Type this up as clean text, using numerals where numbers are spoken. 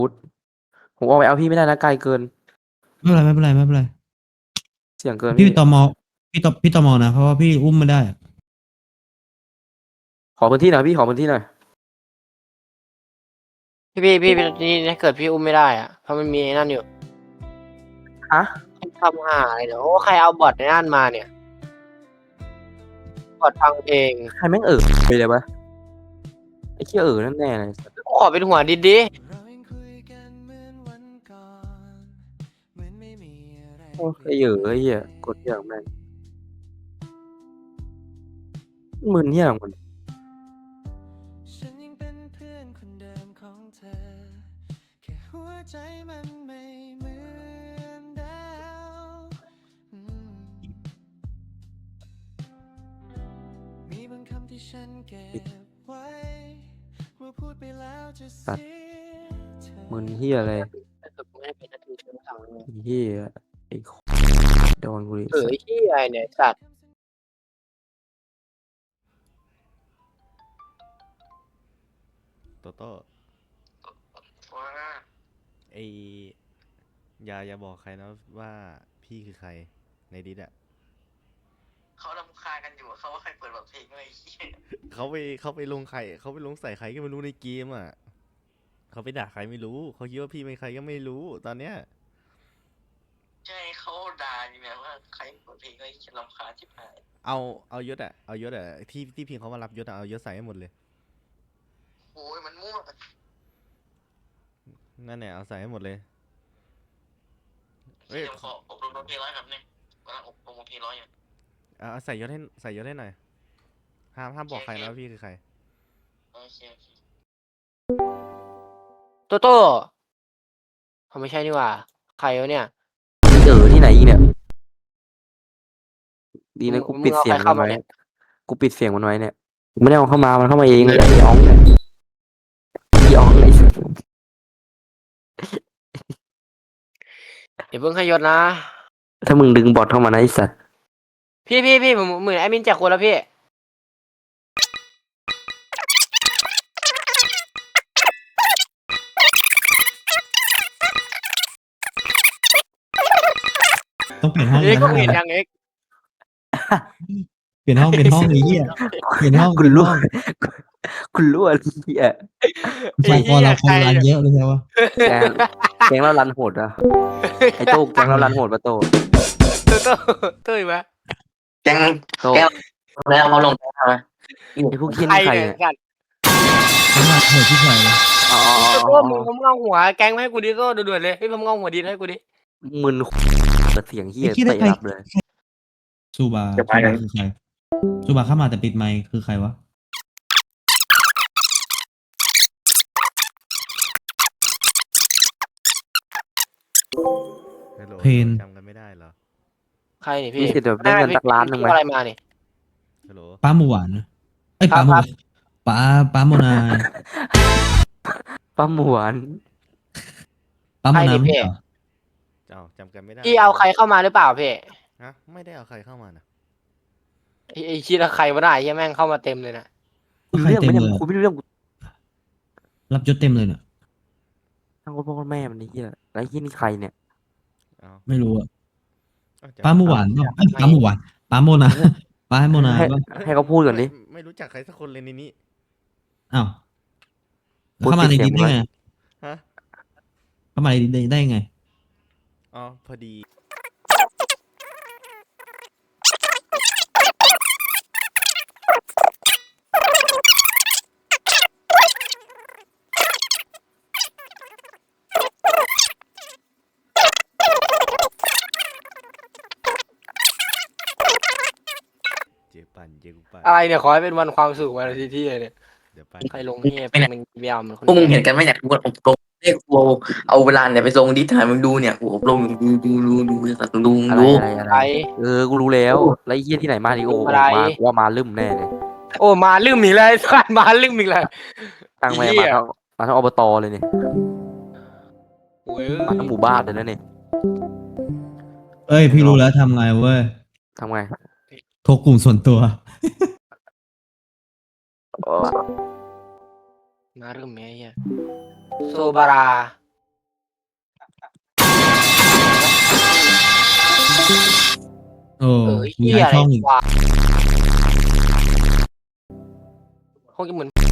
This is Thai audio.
ผมออกไปเอาพี่ไม่ได้นะไกลเกินไม่เป็นไรเสียงเกินพี่พี่ตมพี่ตมนะเพราะว่าพี่อุ้มไม่ได้อะขอพื้นที่หน่อยพี่ขอพื้นที่หน่อยพี่นี่ถ้าเกิดพี่อุ้มไม่ได้อะเพราะมันมีไอ้นั่นอยู่ฮะทำหาอะไรเนี่ยโอ้ใครเอาบอทในนั่นมาเนี่ยบอทฟังเพลงใครแม่งไปเลยวะไอ้เหี้ยนั่นแน่เลยขอเป็นหัวดิดิโอ้ไอ้ไอ้เหี้ยกดอย่างแม่งมึนเหี้ยของมันฉันยังเป็นเพื่อนคนเดิมของเธอแค่หัวใจมันไม่เหมือนเดิมมีบางคำที่ฉันเก็บไว้ว่าพูดไปแล้วจะเสียเธอมึนเหี้ยอะไรถ้าเกิดไม่ให้เป็นนาทีเชิงสั่งเลยไอ้เหี้ยไอ้โดนกูดิไอ้ที่อะไรเนี่ยสัตว์โตโต้ไออย่าบอกใครนะว่าพี่คือใครในดิสอะเขารำคาญกันอยู่เขาว่าใครเปิดแบบเพลงอะไรเหี้ยเขาไปลงใครเขาไปลงใส่ใครก็ไม่รู้ในเกมอะเขาไปด่าใครไม่รู้เขาคิดว่าพี่เป็นใครก็ไม่รู้ตอนเนี้ยใช่เขาด่าอยู่เนี่ยว่าใครเปิดเพลงอะไรรำคาญชิบหายเอายศอะที่พิมพ์เขามารับยศอะเอายศใส่ให้หมดเลยโอ้ยมันมั่วนั่นแหละเอาใส่ให้หมดเลยเดี๋ยวขออบรมดนตรีร้อยครับเนี่ยกำลังอบรมดนตรีร้อยอยู่เอาใส่ยศให้หน่อยห้ามบอกใครนะว่าพี่คือใครโอเคโอเคโตโต้เขาไม่ใช่นี่หว่าใครวะเนี่ยที่ไหนอีกเนี่ยดีนะกูมึงปิดเอาเสียงใครเข้ามันมาไว้เนี่ยกูปิดเสียงมันไว้เนี่ยกูไม่ได้เอาเข้ามามันเข้ามาเองเลยไอ้อ๋องเนี่ยไอ้อ๋องไอ้สัสเดี๋ยวเพิ่งให้ยศนะถ้ามึงดึงบอทเข้ามานะไอ้สัสพี่ผมเหมือนแอดมินแจกคนแล้วพี่ต้องเปลี่ยนห้องเอ็กก็นะเห็นยังเอ็กเปลี่ยนห้องไอ้เหี้ยเปลี่ยนห้องคุณรั่วคุณรั่วไอ้เหี้ยประชากรเราคนรันเยอะเลยใช่ปะแกงเรารันโหดอ่ะไอ้โต้แกงเรารันโหดปะโต้โต้อีกไหมแกงโต้แกงแล้วเขาลงทำไมไอ้พวกเคี้ยใครนี่ใครเนี่ยเนี่ยกันเขามาเหตุที่ใครอ๋อโต้มึงเอาหัวแก๊งมาให้กูดิโต้ด่วนๆเลยพี่ผมเอาหัวดินให้กูดิมึนเปิดเสียงเหี้ยไอ้ที่เตะใครรับเลยซูบาคือใครซูบาเข้ามาแต่ปิดไมค์คือใครวะฮัลโหลเพลงจำกันไม่ได้เหรอใครนี่พี่มีสิทธิ์แบบได้เงินสักล้านหนึ่งไหมพี่อะไรมานี่ฮัลโหลป้าหมูหวานนะไอ้ยป้าหมูหวานป้าโมนาป้าหมวนป้าโมนาไม่ใช่เหรอจำกันไม่ได้พี่เอาใครเข้ามาหรือเปล่าพี่ฮะไม่ได้เอาใครเข้ามานะไอ้คิดว่าใครวะได้ที่แม่งเข้ามาเต็มเลยนะคุณใครเรื่องเต็ไหมมเนี่ยเลยคุณไม่รู้เรื่องรับยศเต็มเลยเนี่ยทั้งพ่อแม่มันนี่เหี้ยแล้วไอ้เหี้ยนี่ใครเนี่ยเอาไม่รู้อะเอาจำป้าหมูหวานเปล่าเอ้ยป้าหมูหวานป้าโมนาป้าโมนาให้ป่ะให้เขาพูดก่อนดิไม่รู้จักใครสักคนเลยในนี้อ้าวพูดเข้ามาในปิดเสีดิยงสได้ไว้ไงฮะเข้ามาในดิสได้ไงอ๋อพอดี เจ๊ปั่นเจ๊กูปั่นอะไรเนี่ยขอให้เป็นวันความสุขวันอาทิตย์ที่เนี่ยเดี๋ยวปั่นใครลงที่เป็นมึงเบียมมันคนพวกมึงเห็นกันไหมเนี่ยกูอบรมเรียกกูเอาเวลาเนี่ยไปลงดิสถ่ายมึงดูเนี่ยกูอบรมดูสัตว์ดูอะไรดูอะไรกูรู้แล้วแล้วไอ้เหี้ยที่ไหนมาดิโออะไรมาว่ามาลืมแน่เลยโอ้มาลืมอีกแล้วไอ้สัตว์มาลืมอีกแล้วตั้งแม่เหี้มาย ทั้งอบตเลยเนี่ยโอ้ยมาทั้งหมู่บ้านเลยนะเนี่ยเอ้ยพี่รู้แล้วทำไงเว้ยทำไงโทรกลุ่มส่วนตัวเออมาลืมไหมไอ้เหี้ยโซบาราโอ้เหี้ย้ายอะไรช่องอีกวะคงจะเหมือน